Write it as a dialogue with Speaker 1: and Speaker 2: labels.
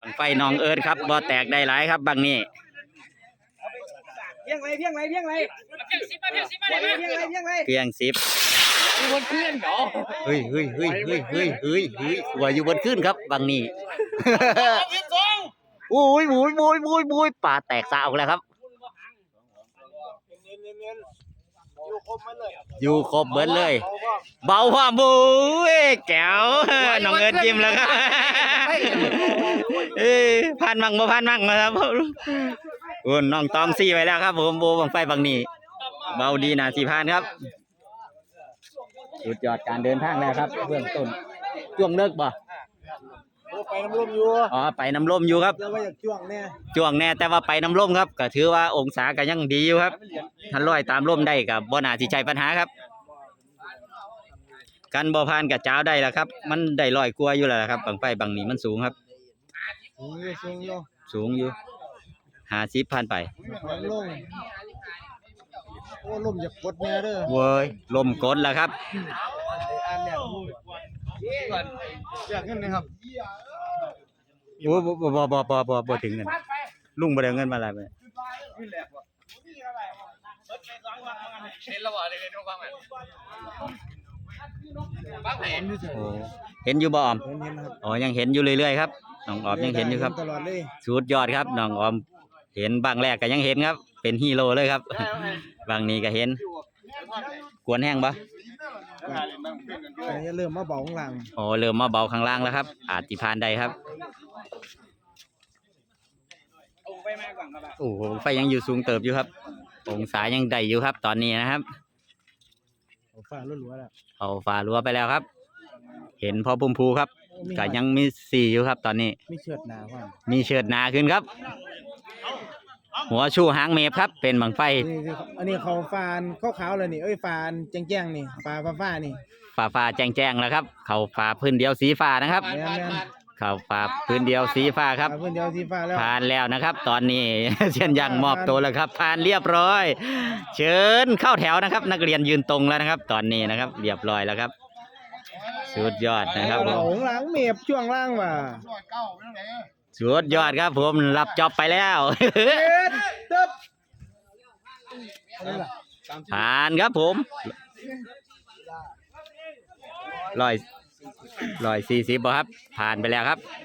Speaker 1: บังไฟน้องเอิร์ดครับบ่แตกได้หลายครับบางนี้
Speaker 2: เพียงไรเพียงไรเพียงไรเพียงสิบเพียงสิบเพียงไรเพียงไร
Speaker 1: เพียง10
Speaker 2: อยู่บนเคลื่อนเหรอ
Speaker 1: เฮ้ยว่าอยู่บนขึ้นครับบางนี้โอ้ยป่าแตกซะออกแล้วครับอยู่ครบเบิดเลยเบาความบุ้ยแก้วน้องเอิร์ดจิ้มแล้วครับพันมั่งบ่พันมั่งนะครับโอ้น้องตองซี่ไว้แล้วครับผมโบบังไฟบางนี้เบาดีนะ4,000ครับสุดยอดการเดินทางแล้วครับเบื้องต้นช่วงเลิกบ่
Speaker 2: ไปน้ำร่มอยู่
Speaker 1: อ๋อไปน้ำร่มอยู่ครับ
Speaker 2: แต่ว่าอยากจ้วง
Speaker 1: แน่แต่ว่าไปน้ำร่มครับก็ถือว่าองศาก็ยังดีอยู่ครับทันลอยตามร่มได้กับบ่น่าสิใช่ปัญหาครับกันบ่ผ่านกับเจ้าได้แล้วครับมันได้ลอยกลัวอยู่แล้วครับบังไฟบางนี้มันสูงครับสูงอยู่50ผ่านไป
Speaker 2: ลงโอ้ลมอยากกดแน่เด้อ
Speaker 1: เว้ยลมกดแล้วครับ
Speaker 2: อยากเงินนะครับ
Speaker 1: โอ้บ่ถึงเงินลุงบ่ได้เงินมาอะไรไปเห็นอยู่บ่ออมอ๋อยังเห็นอยู่เรื่อยๆครับน้องออมยังเห็นอยู่ครับสุดยอดครับน้องออมเห็นบางแรกก็ยังเห็นครับเป็นฮีโร่เลยครับบางนี้ก็เห็นกวนแห้งปะ
Speaker 2: เริ่มมาเบาข้างล่าง
Speaker 1: อ๋อเริ่มมาเบาข้างล่างแล้วครับอาจจะผ่านได้ครับโอ้โหไฟยังอยู่สูงเติบอยู่ครับองศายังได้อยู่ครับตอนนี้นะครับ
Speaker 2: เอาฟ้ารั้วแล้ว
Speaker 1: เอาฟ้ารั้วไปแล้วครับเห็นพอปุ่มพูครับก็ยังมี4อยู่ครับตอนนี้
Speaker 2: มีเชิดหนา
Speaker 1: ขึ้นครับหัวชูหางเมฟครับเป็นบังไฟ
Speaker 2: อันนี้เขาฟานขาวๆเลยนี่ฟานแจ้งๆนี่ฟ้านี่
Speaker 1: ฟ้าแจ้งแล้วครับเขาฟ้าพื้นเดียวสีฟ้านะครับเขาฟ้าพื้นเดียวสีฟ้าครับ
Speaker 2: พื้นเดียวสีฟ้าแล้ว
Speaker 1: ผ่านแล้วนะครับตอนนี้เช่นยังมอบตัวแล้วครับผ่านเรียบร้อยเชิญเข้าแถวนะครับนักเรียนยืนตรงแล้วนะครับตอนนี้นะครับเรียบร้อยแล้วครับสุดยอดนะครับ
Speaker 2: หลังเมฟช่วงล่างว่ะ
Speaker 1: สุดยอดครับผมรับจ็อบไปแล้วผ่านครับผม140บ่ครับผ่านไปแล้วครับ